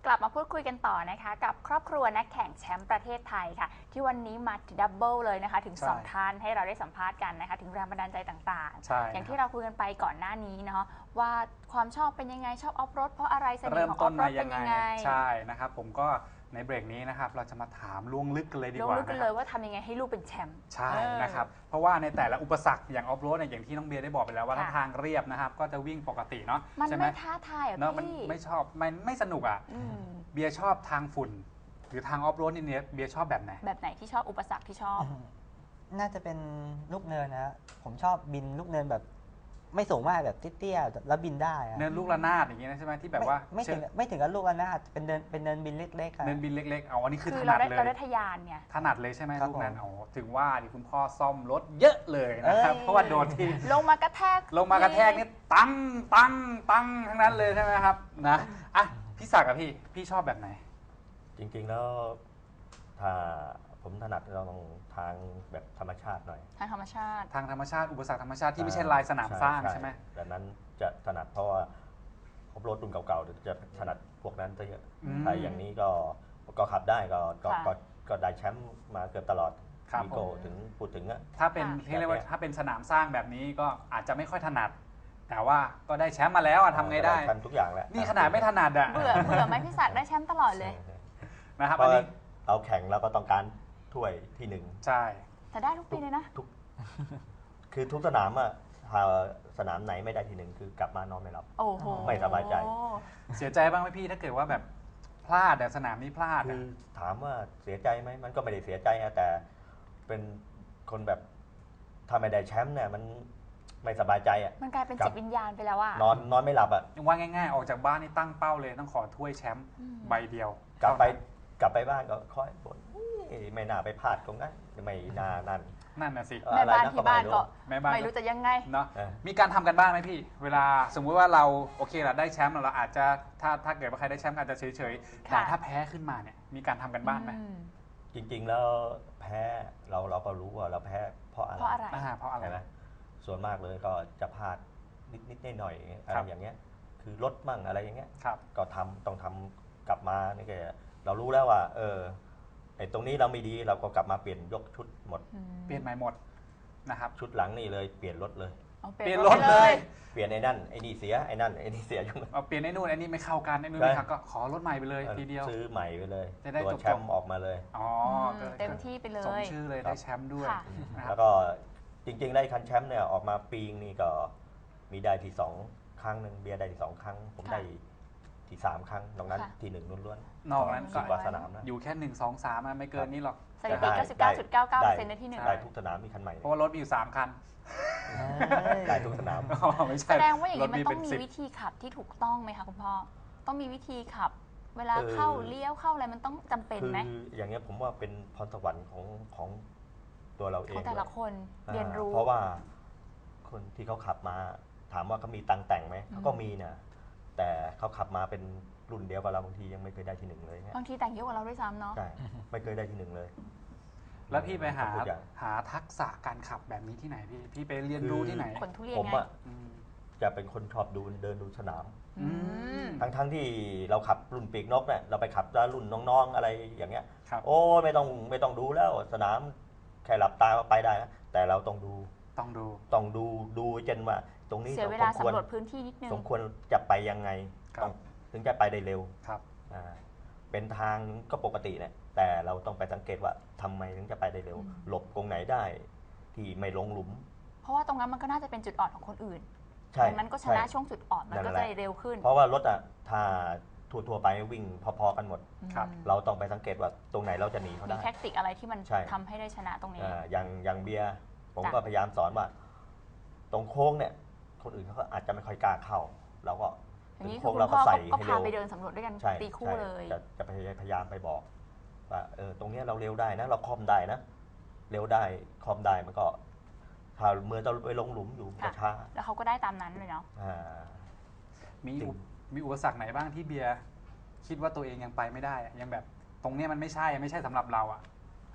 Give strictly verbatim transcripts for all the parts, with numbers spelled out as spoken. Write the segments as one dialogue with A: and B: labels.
A: ลับมาพูดคุยกันต่อนะคะกับครอบครัวนักแข่งแชมป์ประเทศไทยค่ะที่วันนี้มาดับเบิลเลยนะคะถึงสองท่านให้เราได้สัมภาษณ์กันนะคะถึงแรงบันดาลใจต่างๆอย่างที่เราคุยกันไปก่อนหน้านี้เนาะว่าความชอบเป็นยังไงชอบออฟโรดเพราะอะไรเสน่ห์ของออฟโรดเป็นยังไง
B: ใช่นะครับผมก็ในเบรกนี้นะครับเราจะมาถามล่วงลึกกันเลยดีกว่า
A: ล่วงลึกกันเลยว่าทำยังไงให้ลูกเป็นแชมป์
B: ใช่นะครับเพราะว่าในแต่ละอุปสรรคอย่างออฟโรดเนี่ยอย่างที่น้องเบียร์ได้บอกไปแล้วว่าถ้าทางเรียบนะครับก็จะวิ่งปกติเนาะ
A: มันไม่ท้าทายอ่ะ
B: พี่ไม่ชอบไม่ไม่สนุกอ่ะเบียร์ชอบทางฝุ่นหรือทางออฟโรดนี่เนี่ยเบียร์ชอบแบบไหน
A: แบบไหนที่ชอบอุปสรรคที่ชอบ
C: น่าจะเป็นลูกเนินนะผมชอบบินลูกเนินแบบไม่สูงมากแบบเตี้ยๆแล้วบินได้
B: เนินลูกระนาดอย่างเงี้ยใช่ไหมที่แบบว่า
C: ไม่ถึงไม่ถึงกับลูกระนาดเป็นเนินเป็นเนินบินเล็กๆ
B: เนินบินเล็กๆเอาอันนี้คือถ
A: นั
B: ดเลย
A: เราได้ทะยานไง
B: ถนัดเลยใช่ไหมลูกนั้นโอ้ถึงว่าดิคุณพ่อซ่อมรถเยอะเลยนะครับเพราะว่าโดนที่
A: ลงมากระแทก
B: ลงมากระแทกนี่ตั้งตั้งตั้งทั้งนั้นเลยใช่ไหมครับนะอ่ะพี่ศักดิ์กับพี่พี่ชอบแบบไหน
D: จริงๆแล้วถ้าผมถนัดเราต้องทางแบบธรรมชาติหน่อย
A: ทางธรรมชาติ
B: ทางธรรมชาติอุปสรรคธรรมชาติที่ไม่ใช่ลายสนามสร้างใช่ไหม
D: ดังนั้นจะถนัดเพราะว่าครบรถรุ่นเก่าๆจะถนัดพวกนั้นซะเยอะถ้าอย่างนี้ก็ก็ขับได้ก็ก็ก็ได้แชมป์มาเกือบตลอดมีโกถึงพูดถึงอะ
B: ถ้าเป็นที่เรียกว่าถ้าเป็นสนามสร้างแบบนี้ก็อาจจะไม่ค่อยถนัดแต่ว่าก็ได้แชมป์มาแล้วอะทำไงได้
D: ทำทุกอย่างแล้ว
B: นี่ขนาดไม่ถนัดอะ
A: เบื่อเบื่อไหมพี่ศักดิ์ได้แชมป์ตลอดเลย
B: นะครับอันนี้
D: เราแข่งแล้วก็ต้องการถ้วยที่หนึ่ง
B: ใช่
A: แต่ได้ทุกปีเลยนะ
D: ทุกคือทุกสนามอะถ้าสนามไหนไม่ได้ที่หนึ่งคือกลับมานอนไม่หลับไม่สบายใจ
B: เสียใจบ้างไหมพี่ถ้าเกิดว่าแบบพลาดแต่สนามนี้พลาด
D: คือถามว่าเสียใจไหมมันก็ไม่ได้เสียใจแต่เป็นคนแบบถ้าไม่ได้แชมป์เนี่ยมันไม่สบายใจอ่ะ
A: มันกลายเป็นจิตวิญญาณไปแล้วอะ
D: นอนนอนไม่หลับอ่ะ
B: ว่าง่ายๆออกจากบ้านนี่ตั้งเป้าเลยต้องขอถ้วยแชมป์ใบเดียว
D: กลับไปกลับไปบ้านก็คอยบ่นไม่น่าไปพลาดตรงนั้นไม่น่านั่น
B: นั่นน่ะสิ
A: แม่บ้านที่บ้านก็ไม่รู้จะยังไง
B: เนาะมีการทำกันบ้างไหมพี่เวลาสมมุติว่าเราโอเคเราได้แชมป์เราอาจจะถ้าถ้าเกิดว่าใครได้แชมป์อาจจะเฉยๆแต่ถ้าแพ้ขึ้นมาเนี่ยมีการทำกันบ้างไหม
D: จริงๆแล้วแพ้เราเราก็รู้ว่าเราแพ้เพราะอะไร
A: เพราะอะไร
B: เพราะอะไร
D: นะส่วนมากเลยก็จะพลาดนิดๆหน่อยๆอะไรอย่างเงี้ยคือลดมั่งอะไรอย่างเงี้ยก็ทำต้องทำกลับมานี่แกเรารู้แล้วว่าเออไอ้ตรงนี้เราไม่ดีเราก็กลับมาเปลี่ยนยกชุดหมด
B: เปลี่ยนใหม่หมดนะครับ
D: ชุดหลังนี่เลยเปลี่ยนรถเลย
B: เปลี่ยนรถเลย
D: เปลี่ยนไอ้นั่นไอ้นี่เสียไอ้นั่นไอ้นี่เสียยุ่ง
B: เอาเปลี่ยนไอ้นู่นไอ้นี่ไม่เข้ากันไอ้นู่นไม่เข้าก็ขอรถใหม่ไปเลยทีเดียว
D: ซื้อใหม่ไปเลย
B: ตัว
D: แชมป์ออกมาเลย
B: อ๋อ
A: เต็มที่ไปเลย
B: สมชื่อเลยได้แชมป์ด้วย
D: แล้วก็จริงๆได้คันแชมป์เนี่ยออกมาปีนี่ก็มีได้ที่สองครั้งหนึ่งเบียร์ได้ที่สองครั้งผมได้ที่สามครั้งนอกนั้นที่หนึ่งล้วน
B: ๆนอกนั้น
D: ก็สนาม
B: อยู่แค่หนึ่งสองสามไม่เกินนี้หรอก
A: สถิติ เก้าสิบเก้าจุดเก้าเก้าเปอร์เซ็นต์ ในที่หนึ่ง
D: ได้ทุกสนามมีคันใหม่
B: เพราะว่ารถมีอยู่สามคัน
D: ได้ทุกสนาม
A: แสดงว่าอย่างนี้มันต้องมีวิธีขับที่ถูกต้องไหมคะคุณพ่อต้องมีวิธีขับเวลาเข้าเลี้ยวเข้าอะไรมันต้องจำเป็นไหม
D: คืออย่างเงี้ยผมว่าเป็นพรสวรรค์ของของตัวเราเอง
A: ของแต่ละคนเรียนรู้
D: เพราะว่าคนที่เขาขับมาถามว่าเขามีตังแต่งไหมเขาก็มีนะแต่เขาขับมาเป็นรุ่นเดียวกับเราบางทียังไม่เคยได้ที่หนึ่งเลย
A: บางทีแต่งเยอะกว่าเราด้วยซ้ำเนาะ
D: ใช่ไม่เคยได้ที่หนึ่งเลย
B: แล้วพี่ไปหาหาทักษะการขับแบบนี้ที่ไหนพี่พี่ไปเรียนรู้ที่ไหน
A: คนทุเรียน
D: ผมอ่ะจะเป็นคนชอบดูเดินดูสนามทั้งทั้งที่เราขับรุ่นปีกนกเนี่ยเราไปขับแล้วรุ่นน้องๆอะไรอย่างเงี้ยโอ้ไม่ต้องไม่ต้องดูแล้วสนามแค่หลับตาไปได้นะแต่เราต้องดู
B: ต้องดู
D: ต้องดูดูจนว่าตรงนี้
A: เสียเวลาสำรวจพื้นที่นิดนึง
D: สมควรจะไปยังไงถึงจะไปได้เร็ว
B: ครับ
D: เป็นทางก็ปกติเนี่ยแต่เราต้องไปสังเกตว่าทำไมถึงจะไปได้เร็วหลบตรงไหนได้ที่ไม่ลงหลุม
A: เพราะว่าตรงนั้นมันก็น่าจะเป็นจุดอ่อนของคนอื่นดังนั้นก็ชนะช่วงจุดอ่อนมันก็จะเร็วขึ้น
D: เพราะว่ารถอ่ะถ้าทั่วๆไปวิ่งพอๆกันหมดเราต้องไปสังเกตว่าตรงไหนเราจะหนีเขาได้
A: มีแท็กติกอะไรที่มันทำให้ได้ชนะตรงนี้
D: อย่างอย่างเบียร์ผมก็พยายามสอนว่าตรงโค้งเนี่ยคนอื่นเขาก็อาจจะไม่ค่อยกล้าเข้าเราก็
A: อย่างนี้คือคุณพ่อก็พาไปเดินสำรวจด้วยกันตีคู่เลย
D: จะจะพยายามไปบอกว่าเออตรงนี้เราเร็วได้นะเราคอมได้นะเร็วได้คอมได้มันก็ถ้าเมื่อเราไปลงหลุมอยู่จะช้า
A: แล้วเขาก็ได้ตามนั้นเลยเนาะ
B: มีมีอุปสรรคไหนบ้างที่เบียร์คิดว่าตัวเองยังไปไม่ได้ยังแบบตรงนี้มันไม่ใช่ไม่ใช่สำหรับเราอ่ะ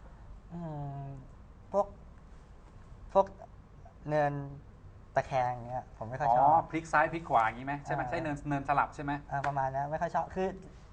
C: พวกพวกเนินตะแคงเงี้ยผมไม่ค่อยชอบ
B: พลิกซ้ายพลิกขวาอย่างนี้ไหมใช่ไหมใช่เนินเนินสลับใช่ไหม
C: ประมาณนั้นไม่ค่อยชอบคือ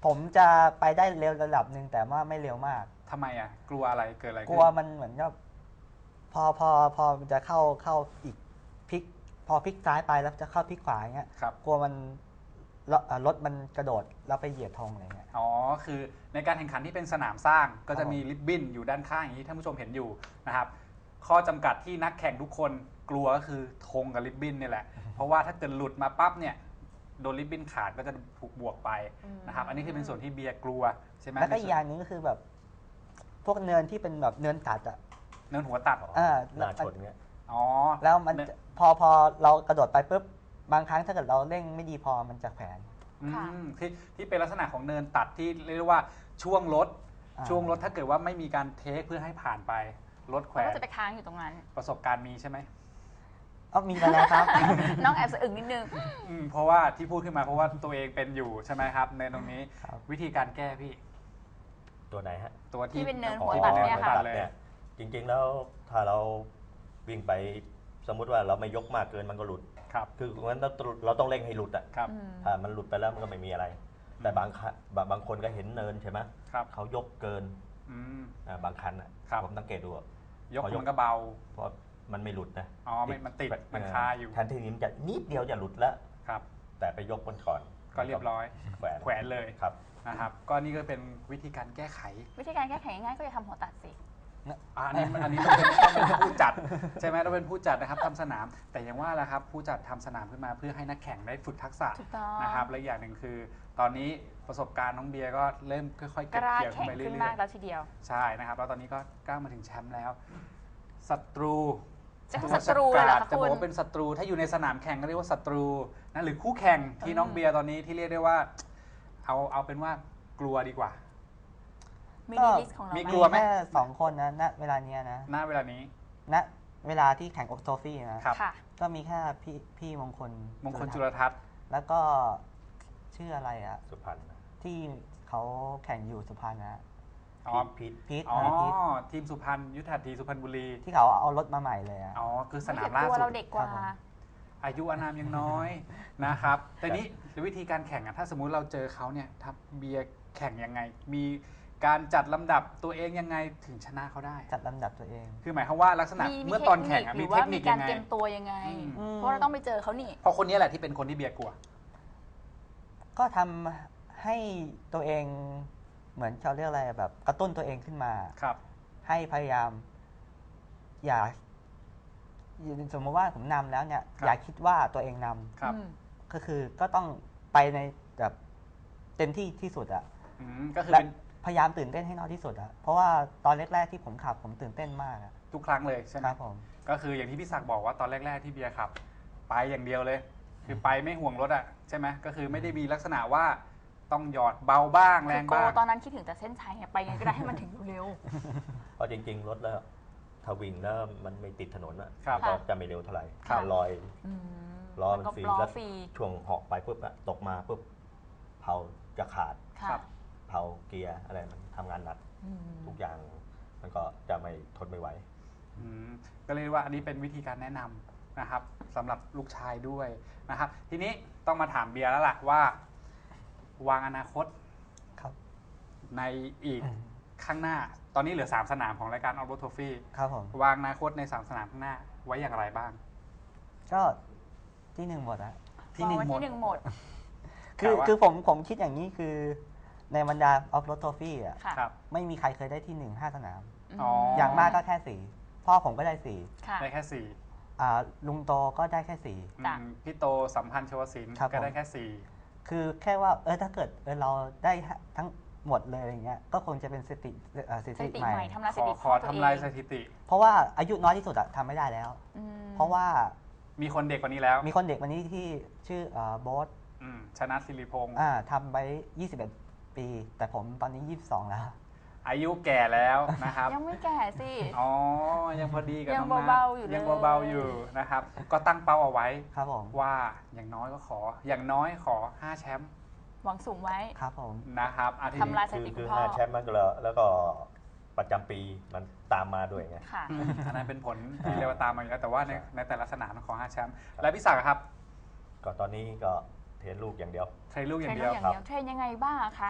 C: ผมจะไปได้เร็วระดับหนึ่งแต่ว่าไม่เร็วมาก
B: ทำไมอ่ะกลัวอะไรเกิดอะไรขึ้น
C: กลัวมันเหมือนกับพอพอพอมันจะเข้าเข้าอีกพลิก พอพลิกซ้ายไปแล้วจะเข้าพลิกขวาอย่างเงี้ย
B: ครับ
C: กลัวมันรถรถมันกระโดดแล้วไปเหยียบธงอะไรเงี้ย
B: อ๋อคือในการแข่งขันที่เป็นสนามสร้างก็จะ
C: ครับ
B: มีริบบิ้นอยู่ด้านข้างอย่างที่ท่านผู้ชมเห็นอยู่นะครับข้อจำกัดที่นักแข่งทุกคนกลัวก็คือธงกับริบบิ้นนี่แหละเพราะว่าถ้าเกิดหลุดมาปั๊บเนี่ยโดนริบบิ้นขาดก็จะถูกบวกไปนะครับอันนี้คือเป็นส่วนที่เบียร์กลัวใช่ไหม
C: แล้วก็อีกอย่างหนึงก็คือแบบ พวกเนินที่เป็นแบบเนินตัดอ่ะ
B: เนินหัวตัด
C: อ่า
D: หน้าชนเงี้ย
B: อ๋อ
C: แล้วมันจะพอพอเรากระโดดไปปุ๊บบางครั้งถ้าเกิดเราเร่งไม่ดีพอมันจะแขวน
B: อื
A: ค่ะ
B: มที่ที่เป็นลักษณะของเนินตัดที่เรียกได้ว่าช่วงรถ
C: อ่า
B: ช่วงรถถ้าเกิดว่าไม่มีการเทคเพื่อให้ผ่านไปรถแขว
A: แล้ว
B: น
A: ก็จะไปค้างอยู่ตรงนั้น
B: ประสบการณ์มีใช่ไหม
C: เอามีมาแล้วครับ
A: น้องแอบสะอึกนิดนึง
B: อืมเพราะว่าที่พูดขึ้นมาเพราะว่าตัวเองเป็นอยู่ใช่ไหมครับในตรงนี้
C: ครับ
B: วิธีการแก้พี่
D: ตัวไหนฮะ
B: ตัวที่
A: ที่เป็นเนิน
B: อ๋อ
A: หัวตัดเนี่ย
B: หัว
A: ค่ะ
B: ตัดเลย
D: จริงๆแล้วถ้าเราวิ่งไปสมมุติว่าเราไม่ยกมากเกินมันก็หลุด
B: ครับ
D: คืองั้นเราเราต้องเร่งให้หลุดอ่ะ
B: ครับ
A: อืม
D: ถ้ามันหลุดไปแล้วมันก็ไม่มีอะไร แต่บางครั้งบางบางคนก็เห็นเนินใช่ไหม
B: ครับ
D: เขายกเกิน
B: อืม
D: อ่าบางคันอ่ะ
B: ครับ
D: ผมสังเกตดูอะ
B: ยก
D: พอยก
B: มันก็เบา
D: เพราะมันไม่หลุดนะ
B: อ๋อมันมันติดมัน
D: เ
B: คาอยู่
D: แทนที่นี้มันจะนิดเดียวจะหลุดแล้ว
B: ครับ
D: แต่ไปยกมันก่อน
B: ก็เรียบร้อย
D: แขวน
B: แขวนเลย
D: ครับ
B: นะครับก็นี่ก็เป็นวิธีการแก้ไข
A: วิธีการแก้ไขง่ายๆก็จะทำหัวตัดสิ
B: อะอันนี้อันนี้ต้องเป็นต้องเป็นผู้จัดใช่ไหมต้องเป็นผู้จัดนะครับทำสนาม แต่อย่างว่าแหละครับผู้จัดทำสนามขึ้นมาเพื่อให้นักแข่งได้ฝึกทักษะ
A: ถูกต้อง
B: นะครับและอีกอย่างหนึ่งคือ ตอนนี้ประสบการณ์น้องเบียร์ก็เริ่มค่อยๆ
A: ก
B: เก็บ
A: ล้า
B: เกี่ยวขึ้
A: แข่
B: น
A: ง
B: ไปเรื่
A: ขึ้น
B: อย
A: มากแล้วทีเดียว
B: ๆใช่นะครับแล้วตอนนี้ก็ก้าวมาถึงแชมป์แล้วศัตรู
A: จะเป็นศัตรูเลยเหรอคะ
B: จะบ
A: คุ
B: อก
A: ณ
B: ว่าเป็นศัตรูถ้าอยู่ในสนามแข่งก็เรียกว่าศัตรูนะหรือคู่แข่งที่น้องเบียร์ตอนนี้ที่เรียกได้ว่า เอาเอาเป็นว่ากลัวดีกว่า
A: มีในลิสต์ของเรา
B: มี
A: ไหม
B: กลัวไหม
C: แค่สองคนนะณเวลาเนี้ยนะ
B: หน้าเวลานี้
C: ณเวลาที่แข่งอกโทฟี่นะ
B: ครับ
A: ค่ะ
C: ก็มีแค่พี่พี่มงคล
B: มงคลจุ
C: ร
B: ลทัศน์
C: แล้วก็ชื่ออะไรอะ
D: สุพรรณ
C: ที่เขาแข่งอยู่สุพรรณนะ
B: อ๋อ
D: พีท
C: พีท
B: อ๋อ
C: นะพีท
B: ทีมสุพรรณยุทธาธีสุพรรณบุรี
C: ที่เขาเอารถมาใหม่เลยอะ
B: อ๋อคือส
A: ไม่
B: นาม
A: เห็น
B: ล่า
A: ตัว
B: สุ
A: เรา
B: ด
A: เด็กกว่า
C: ครับผม
B: อายุอานามยังน้อย นะครับ แต่นี้วิธีการแข่งอะถ้าสมมุติเราเจอเขาเนี่ยทับเบียร์แข่งยังไง มีการจัดลำดับตัวเองยังไงถึงชนะเขาได้
C: จัดลำดับตัวเอง
B: คือหมายความว่าลักษณะ
A: มี
B: เมื่อตอนแข่งอะ
A: ห
B: มี
A: รือ
B: เท
A: ว่า
B: คนิ
A: มี
B: ค
A: กา
B: ยั
A: รง
B: ไง
A: เตรียมตัวยังไง
B: อืม
A: เพราะเราต้องไปเจอเขานี่
B: เพราะคนนี้แหละที่เป็นคนที่เบียร์กลัว
C: ก็ทำให้ตัวเองเหมือนเขาเรียกอะไรแบบกระตุ้นตัวเองขึ้นมา
B: ครับ
C: ให้พยายาม อย่าสมมติว่าผมนำแล้วเนี่ย
B: ครับ
C: อย่าคิดว่าตัวเองนำ
B: ครับ
A: อืม
C: ก็คือก็ต้องไปในแบบเต็มที่ที่สุดอะ
B: อืมก็คือ
C: และ
B: เป็น
C: พยายามตื่นเต้นให้น้อยที่สุดอะเพราะว่าตอนแรกๆที่ผมขับผมตื่นเต้นมากอะ
B: ทุกครั้งเลยใช่ไหม
C: ครับผม
B: ก็คืออย่างที่พี่ศักดิ์บอกว่าตอนแรก ๆที่เบียร์ขับ ไปอย่างเดียวเลย คือไปไม่ห่วงรถอะใช่ไหมก็คือไม่ได้มีลักษณะว่าต้องหยอดเบาบ้างแร
A: คือง โก
B: บ้าง
A: ตอนนั้นคิดถึงแต่เส้นชัยไงไปไงก็ได้ให้มันถึงเร็ว
D: เพราะจริงๆรถแล้วถ้าวิ่งแล้วมันไม่ติดถนนอะ
B: ครับ
D: มันก็จะไม่เร็วเท่าไหร่
A: ครับ
D: ลอย
A: ๆอืม
D: ล้อมัน
A: แล้วก็
D: ฟรี
A: ล้อ
D: แล้ว
A: ฟรี
D: ช่วงเหาะไปปุ๊บอะตกมาปุ๊บเผาจะขาด
A: ค่ะ
B: ครับ
D: เผาเกียร์อะไรมันทำงานหนัก
A: อืม
D: ทุกอย่างมันก็จะไม่ทนไม่ไหว
B: อืมก็เรียกว่าอันนี้เป็นวิธีการแนะนำนะครับสำหรับลูกชายด้วยนะครับ ทีนี้ต้องมาถามเบียร์แล้วล่ะว่า วางอนาคต
C: ครับ
B: ในอีกข้างหน้า ตอนนี้เหลือสามสนามของรายการออฟโรดทอฟฟี่
C: ครับผม
B: วางอนาคตในสามสนามข้างหน้าไว้อย่างไรบ้าง
C: ก็ที่หนึ่งหมดอะ
B: ที่หนึ่ง
A: วา
B: หม
A: ไว้
B: ด
A: ที่หนึ่งหมด
C: คือ
B: แต่ว่า
C: คือผมผมคิดอย่างนี้คือในบรรดาออฟโรดทอฟฟี่อะ
A: ค่ะ
B: ครับ
C: ไม่มีใครเคยได้ที่หนึ่งห้าสนาม
B: อ๋อ
C: อย่างมากก็แค่สี่พ่อผมก็ได้สี่
A: ค่ะ
B: ได้แค่สี่
C: อ่าลุงโตก็ได้แค่สี่
B: อื
A: จ้ะ
B: มพี่โตสัมพันธ์ชวศิลป์
C: ครับ
B: ก็ได้
C: ผม
B: แค่สี่
C: คือแค่ว่าเออถ้าเกิดเออเราได้ทั้งหมดเลยอะไรเงี้ยก็คงจะเป็นสถิติเอ่อสถิ
A: สถิ
C: ติ
A: ติ
C: ใหม่
A: ใหม่ทำลาย
B: ข
A: ส
B: อ
A: ถิติ
B: ขอ
A: ตัว
B: ทำลาย
A: เอง
B: สถิติ
C: เพราะว่าอายุน้อยที่สุดอะทำไม่ได้แล้ว
A: อืม
C: เพราะว่า
B: มีคนเด็กกว่านี้แล้ว
C: มีคนเด็กวันนี้ที่ชื่อโบ๊ท
B: อืมชนะศิริพงศ์
C: อ่าทำไปยี่สิบเอ็ดปี แต่ผมตอนนี้ยี่สิบสองแล้ว
B: อายุแก่แล้วนะครับ
A: ยังไม่แก่สิ
B: อ๋อ ยังพอดีกับ
A: ยัง
B: น้องนัท
A: เบาๆอยู่เลย
B: ยังเบาๆอยู่นะครับ ก็ตั้งเป้าเอาไว้
C: ครับผม
B: ว่าอย่างน้อยก็ขอ อย่างน้อยขอห้าแชมป์
A: หวังสูงไว้
C: ครับผม
B: นะครับอาทิต
A: ทำลาย
B: ย์
A: สถิ
D: คือ
A: ติคุ
D: คือ
A: ณพ่อ
D: ห้าแชมป์มันก็แล้วแล้วก็ประจำปีมันตามมาด้วยไง
A: ค่ะ
B: อืมอันนั้นเป็นผลที่เรียกว่าตามมาอยู่แล้วแต่ว่าในในแต่ละสนามขอห้าแชมป์ และพี่ศักดิ์อะครับ
D: ก็ตอนนี้ก็เทรนลูกอย่างเดียว
B: เทรนลูกอ
A: เทร
B: ย่าน ง
A: ลู
B: เดี
A: ก
B: ยว
A: อย่างเดียวเทรนยังไงบ้างอะคะ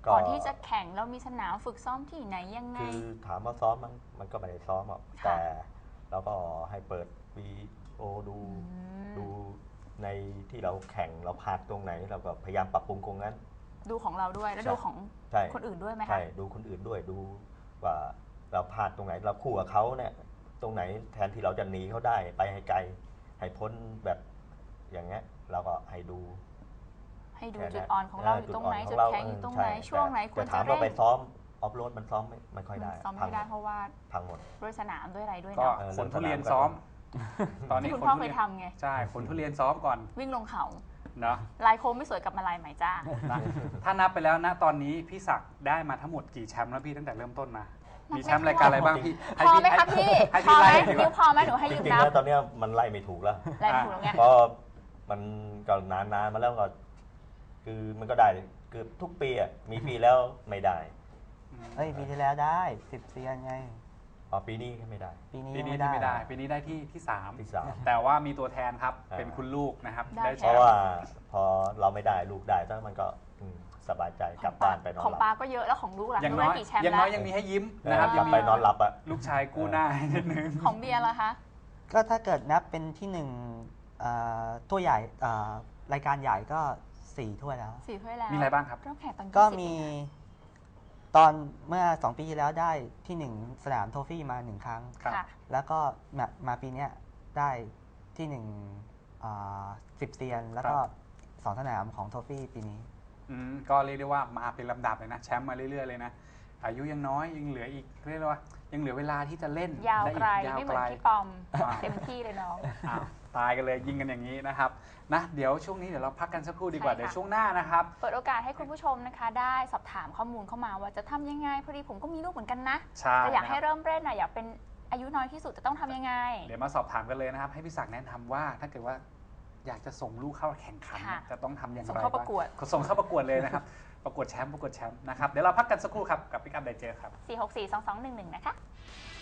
A: ก่อนที่จะแข่งเรามีสนามฝึกซ้อมที่ไหนยังไง
D: คือถามว่าซ้อมมันมันก็ไม่ได้ซ้อมหรอก
A: ค่ะ
D: แต่เราก็ให้เปิดวีโอดู
A: อืม
D: ดูในที่เราแข่งเราพลาดตรงไหน เราก็พยายามปรับปรุงตรงนั้น
A: ดูของเราด้วยแล้ว
D: ใช่
A: ดูของ
D: ใช่
A: คนอื่นด้วยไหมคะ
D: ใช่ดูคนอื่นด้วยดูว่าเราพลาดตรงไหน เราคู่กับเขาเนี่ยตรงไหนแทนที่เราจะหนีเขาได้ไปให้ไกลให้พ้นแบบอย่างเงี้ยเราก็ให้ดู
A: ให้ดู
D: แค่
A: จุด
D: นั้น
A: อ่อนของเราอยู่ตรงไหน
D: เ
A: จุดแข็งอยู่ตรงไหน
D: ใช่
A: ช่วงไหน
D: แต่
A: ควร
D: แต่
A: จะ
D: ถาม
A: เร่
D: ว่าไป
A: ง
D: ซ้อมออฟโรดมันซ้อมไม่ไม่ค่อยได้
A: ซ้อมไม่ได้เพราะว่า
D: พังหมด
A: ด้วยสนามด้วยอะไรด้วย
B: ก็
A: เนาะ
D: เออ
B: ขนทุเรียนซ้อม ตอนนี้
A: ที่คุณ
B: ขน
A: พ่อ
B: ทุ
A: เค
B: เรี
A: ย
B: ยน
A: ทำไง
B: ใช่ขนทุเรียนซ้อมก่อน
A: วิ่งลงเขา
B: เนาะ
A: ลายโค้งไม่สวยกลับมาลายใหม่จ้า
B: นะถ้านับไปแล้วนะตอนนี้พี่ศักดิ์ได้มาทั้งหมดกี่แชมป์แล้วพี่ตั้งแต่เริ่มต้นมา มีแชมป์รายการอะไรบ้างพี่
A: พอไหมคะพี่
B: ให้
A: พอ
B: พี่
A: ไหม
B: ไล่ดีก
A: นิ้ว
B: ว่า
A: พอไหมหนูให้
D: จ
A: ยืม
D: ริง
A: นั
D: ๆ
A: บ
D: แล้วตอนเนี้ยมันไล่ไม่ถูกแล้ว
A: ลายไม่ถูกแล้วไง
D: เพราะมันก็นานๆมาแล้วก็คือมันก็ได้คือทุกปีอ่ะมีปีแล้วไม่ได้
C: เอ้ยปีที่แล้วได้สิบเซียนไง
D: อ๋อปีนี้ไม่ได้
C: ปีนี้
B: ปี
C: ยัง
B: นี้
C: ไม่
B: ที่ไม่ได้
C: ได้
B: ปีนี้ได้ที่ที่สาม
D: ที่สาม
B: แต่ว่ามีตัวแทนครับ
D: อ่า
B: เป็นคุณลูกนะครับ
A: ได้
B: ได้แช
D: เพราะ
B: มป์
D: ว่าพอเราไม่ได้ลูกได้แล้วมันก็อืมสบายใจกลับบ้านไปนอน
A: ของ
D: หลั
A: ปา
D: บ
A: ก็เยอะแล้วของลูกล่ะ
B: อย่าง
A: ลูก
B: น้
A: ได้
B: อย
A: กี่แชมป์
B: อย่าง
A: แล้
B: น้อ
A: วย
B: ยังมีให้ยิ้ม
D: เออ
B: นะครับ
D: กลับไปนอนหลับอ่ะ
B: ลูกชายกู้หน้าให้นิดนึง
A: ของเบียร์ล่ะคะ
C: ก็ถ้าเกิดนับเป็นที่หนึ่งเอ่อถ้วยใหญ่เอ่อรายการใหญ่ก็สี่ถ้วยแล้ว
A: สี่ถ้วยแล้ว
B: มีอะไรบ้างครับ
A: เริ่มแข่งตอน
C: ก็
A: ยี่สิบ
C: มีตอนเมื่อสองปีที่แล้วได้ที่หนึ่งสนามโทฟี่มาหนึ่งครั้ง
B: ครับ
A: ค่ะ
C: แล้วก็มามาปีเนี้ยได้ที่หนึ่งสิบเซียน แล้วก็สองสนามของโทฟี่ปีนี้
B: อืมก็เรียกได้ว่ามาเป็นลำดับเลยนะแชมป์มาเรื่อยๆเลยนะอายุยังน้อยยังเหลืออีกเรียกได้ว่ายังเหลือเวลาที่จะเล่น
A: ยาว
B: ด้
A: ไกล
B: ยาว
A: ไม่เห
B: ไก
A: มือ
B: ล
A: นพี่ปอม
B: อ่า
A: เต็มที่เลยน้อง
B: อ้าวตายกันเลยยิงกันอย่างนี้นะครับนะเดี๋ยวช่วงนี้เดี๋ยวเราพักกันสักครู่ดีกว่า
A: ใช่ค่ะ
B: เดี๋ยวช่วงหน้านะครับ
A: เปิดโอกาสให้คุณผู้ชมนะคะ ได้สอบถามข้อมูลเข้ามาว่าจะทำยังไงพอดีผมก็มีลูกเหมือนกันนะ
B: ใช่
A: แต่อยาก
B: นะค
A: ให้
B: รับ
A: เริ่มเล่นนะอยากเป็นอายุน้อยที่สุดจะต้องทำยังไง
B: เดี๋ยวมาสอบถามกันเลยนะครับ ให้พี่ศักดิ์แนะนำว่าถ้าเกิดว่าอยากจะส่งลูกเข้าแข่งขันเนี่ย
A: ค่ะ
B: จะต้องทำอย่างไร
A: ส่งเข้าประกวด
B: บ้างส่งเข้าประกวดเลยนะครับ ประกวดแชมป์ประกวดแชมป์นะครับเดี๋ยวเราพักกันสักครู่ครับกับพิกัดไดเจอครับ
A: สี่ หก สี่ สอง สอง หนึ่ง หนึ่งนะคะ